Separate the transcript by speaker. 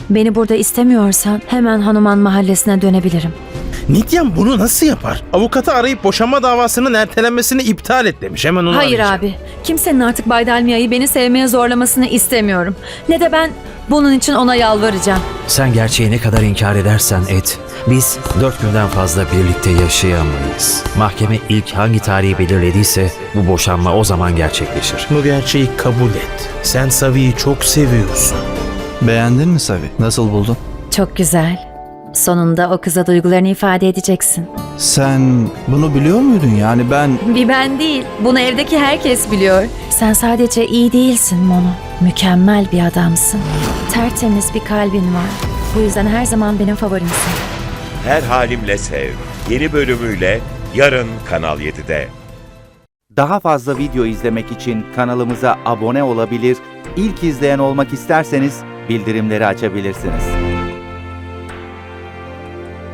Speaker 1: Beni burada istemiyorsan hemen Hanuman mahallesine dönebilirim.
Speaker 2: Nityam bunu nasıl yapar? Avukatı arayıp boşanma davasının ertelenmesini iptal et demiş. Hemen onu
Speaker 1: Hayır
Speaker 2: arayacağım.
Speaker 1: abi. Kimsenin artık Bay Dalmia'yı beni sevmeye zorlamasını istemiyorum. Ne de ben bunun için ona yalvaracağım.
Speaker 3: Sen gerçeği ne kadar inkar edersen et, biz 4 günden fazla birlikte yaşayamayız. Mahkeme ilk hangi tarihi belirlediyse bu boşanma o zaman gerçekleşir.
Speaker 2: Bu gerçeği kabul et. Sen Savi'yi çok seviyorsun.
Speaker 4: Beğendin mi Savi? Nasıl buldun?
Speaker 1: Çok güzel. Sonunda o kıza duygularını ifade edeceksin.
Speaker 4: Sen bunu biliyor muydun? Yani
Speaker 1: Bir ben değil. Bunu evdeki herkes biliyor. Sen sadece iyi değilsin Mono. Mükemmel bir adamsın. Tertemiz bir kalbin var. Bu yüzden her zaman benim favorimsin.
Speaker 5: Her Halimle Sev yeni bölümüyle yarın Kanal 7'de.
Speaker 6: Daha fazla video izlemek için kanalımıza abone olabilir, ilk izleyen olmak isterseniz bildirimleri açabilirsiniz.